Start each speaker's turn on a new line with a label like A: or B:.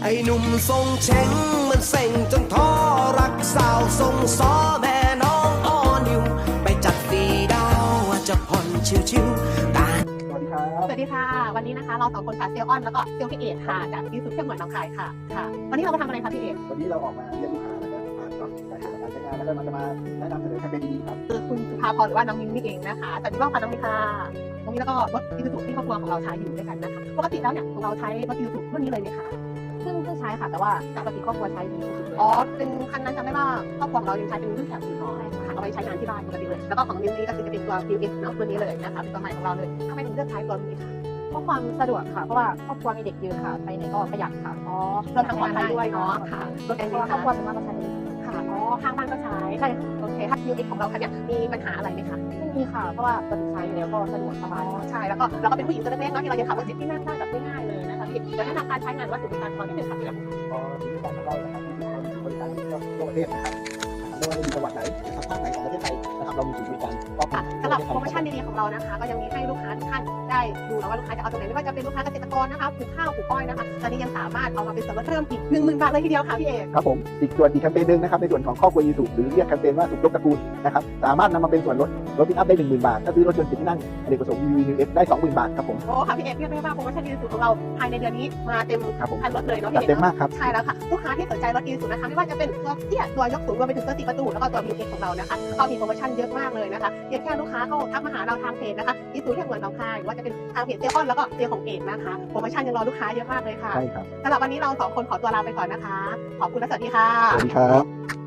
A: ไอ้หนุ่มทรงเช้งมันเซ็งจนท้อรักสาวทรงซ้อแม่น้องอ้อนิวไปจัดฟีดาวจะผ่อนชิวๆตา
B: สวัสดีครับ
C: สวัสดีค่ะวันนี้นะคะเราสองคนค่ะเซลออนแล้วก็เซลพี่เอกค่ะจากที่สุดเที่ยวเหมือนน้องคายค่ะวันนี้เรามาทำอะไรคะพี่เอก
B: วันนี้เราออกมาเยี่ยมลูกค้านะครับผ่านเนาะสายหาการใช้งานแล้วก็มันจะมาแนะนำเสนอแคมเปญดีๆครับ
C: คือคุณสุภาพรหรือว่าน้องมิ้นนี่เองนะคะสวัสดีค่ะน้องมิ้นค่ะน้องมิ้นแล้วก็รถอีซูซูที่ครอบครัวของเราใช้อยู่ด้วยกันนะคะปกติแล้วเนี่ยเราใช้รถอีซูซูรุ่นนี้เลยไหมคะ
D: เพิ่งใช้ค่ะแต่ว่าปกติครอบครัวใช้ดีที่สุดเลย
C: อ๋อเป็นคันนั้นจำได้ว่าครอบครัวของเรายังใช้เป็นรุ่นแถวสีทองค่ะเอาไว้ใช้งานที่บ้านปกติเลยแล้วก็ของมิ้นนี่ก็คือจะเป็นตัว PX เนาะตัวนี้เลยนะคะเป็นตัวใหม่ของเราเลยทำไมถึงเลือกใช้ตัวนี้คะ
D: เพราะความสะดวกค่ะเพราะว่าครอบครัวมีเด็กเยอะค่ะไปไหนก็ประหยัดค่ะ
C: อ๋อรวมทั้งปลอดภัยด้วยเนาะค่ะรถ
D: เพ
C: แอน
D: ราะ
C: ดี้
D: ว่าครอบ
C: ค่ะ
D: ครัวสามารถมาใช้ได้
C: ค่ะอ๋อข้างบ้านก็ใช้
D: ใช่
C: โอเคถ้า PX ของเราคันเนี้ยมีปัญหาอะไรไหมคะ
D: ไม่มีค่ะเพราะว่าปกติใช้อยู่แล้วก็สะดวกสบาย
C: ใช่แล้วก็เราก็เป็นผู้หญิงตัวเล็กๆเนาะที่เราจะขับรถเจ็ตที่นั่งได้แบบง่ายๆเลยนะคะพี่เดี๋ยวแนะนำการใช้งานวัตถุบริการตอนนิดนึงค่ะพี่
B: ก็สิ่งที่ของเรานะครับที่บริการทั่วประเทศนะครับไม่ว่าจะอยู่จังหวัดไหนนะครับภาคไหนของประเทศไทยนะครับเรามีศูนย์บริการครอบคลุ
C: ค่ะ
B: ม
C: สำหรับโปรโมชั่นดีๆของเรานะคะก็ยังมีให้ลูกค้าทุกท่านได้ดูนะว่าลูกค้าจะเอาตรงไหนไม่ว่าจะเป็นลูกค้าเกษตรกรนะคะปลูกข้าวปลูกอ้อยนะคะตอนนี้ยังสามารถเอามาเป็นส่วนลดเพิ่มอีก 10,000 บาทเลยทีเดียวค่ะพี่เอก
B: ครับผมอีกส่วนอีกแคมเปญหนึ่งนะครับในส่วนของครอบครัวยูสุหรือเรียกแคมเปญว่าสุขยกตระกูลนะครับสามารถนำมาเป็นส่วนลดรถปิกอัพได้ 10,000 บาทถ้าซื้อรถยนต์10ที่นั่งอเนกประสงค์ VVF ได้ 20,000 บาทครับผม
C: โอ้ค่ะพี่เอกเรียกได้ว่าโปรโมชั่นดีสุดของเราภายในเดือนนี้มาเต็ม
B: ครับผม
C: คันรถเลยเนาะ
B: จัด
C: พี่เอก
B: เต็ม
C: เนาะ
B: มากครับ
C: ใช่แล้วค่ะลูกค้าที่สนใจรถดีสุดนะคะไม่ว่าจะเป็นตัวเตี้ยตัวยกสูงรวมไปถึงตัว4ประตูแล้วก็ตัว BX ของเรานะคะก็มีโปรโมชั่นเยอะมากเลยนะคะเพียงแค่ลูกค้าเข้าทักมาหาเราทางเพจนะคะอีซูเที่ยวเหมือนน้องคายหรือว่าจะเป็นทางเพจเซลออนแล้วก็เซลของเอกนะคะโปรโมชั่นยังรอลูกค้าเยอะมากเลยค่ะ
B: ใช่ครับ
C: สำหรับวันนี้เราสองคนขอตัวลาไปก่อนนะคะ ขอบคุณและสวัสดีค่ะ
B: สวัสดีครับ